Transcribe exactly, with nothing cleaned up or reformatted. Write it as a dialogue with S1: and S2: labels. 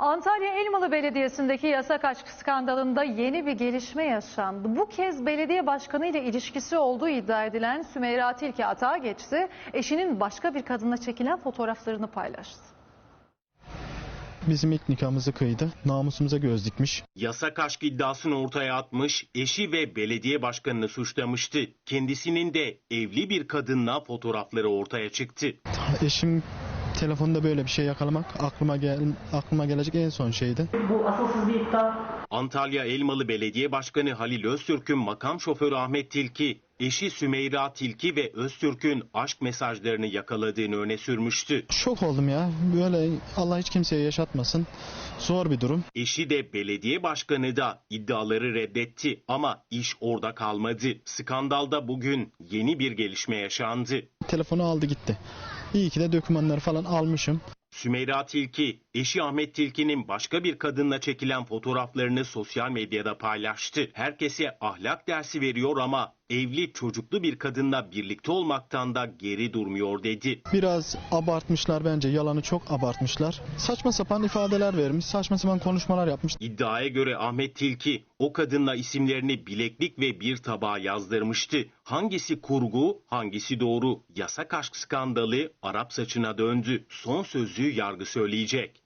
S1: Antalya Elmalı Belediyesi'ndeki yasak aşk skandalında yeni bir gelişme yaşandı. Bu kez belediye başkanı ile ilişkisi olduğu iddia edilen Sümeyra Tilki atağa geçti. Eşinin başka bir kadınla çekilen fotoğraflarını paylaştı.
S2: Bizim ilk nikahımızı kıydı. Namusumuza göz dikmiş.
S3: Yasak aşk iddiasını ortaya atmış, eşi ve belediye başkanını suçlamıştı. Kendisinin de evli bir kadınla fotoğrafları ortaya çıktı.
S2: Eşim telefonda böyle bir şey yakalamak aklıma gel aklıma gelecek en son şeydi.
S4: Bu asılsız bir iddia.
S3: Antalya Elmalı Belediye Başkanı Halil Öztürk'ün makam şoförü Ahmet Tilki, eşi Sümeyra Tilki ve Öztürk'ün aşk mesajlarını yakaladığını öne sürmüştü.
S2: Şok oldum ya. Böyle Allah hiç kimseye yaşatmasın. Zor bir durum.
S3: Eşi de belediye başkanı da iddiaları reddetti ama iş orada kalmadı. Skandalda bugün yeni bir gelişme yaşandı.
S2: Telefonu aldı gitti. İyi ki de dokümanları falan almışım.
S3: Sümeyra Tilki, eşi Ahmet Tilki'nin başka bir kadınla çekilen fotoğraflarını sosyal medyada paylaştı. Herkese ahlak dersi veriyor ama evli çocuklu bir kadınla birlikte olmaktan da geri durmuyor dedi.
S2: Biraz abartmışlar bence. Yalanı çok abartmışlar. Saçma sapan ifadeler vermiş. Saçma sapan konuşmalar yapmış.
S3: İddiaya göre Ahmet Tilki o kadınla isimlerini bileklik ve bir tabağa yazdırmıştı. Hangisi kurgu, hangisi doğru? Yasak aşk skandalı Arap saçına döndü. Son sözü yargı söyleyecek.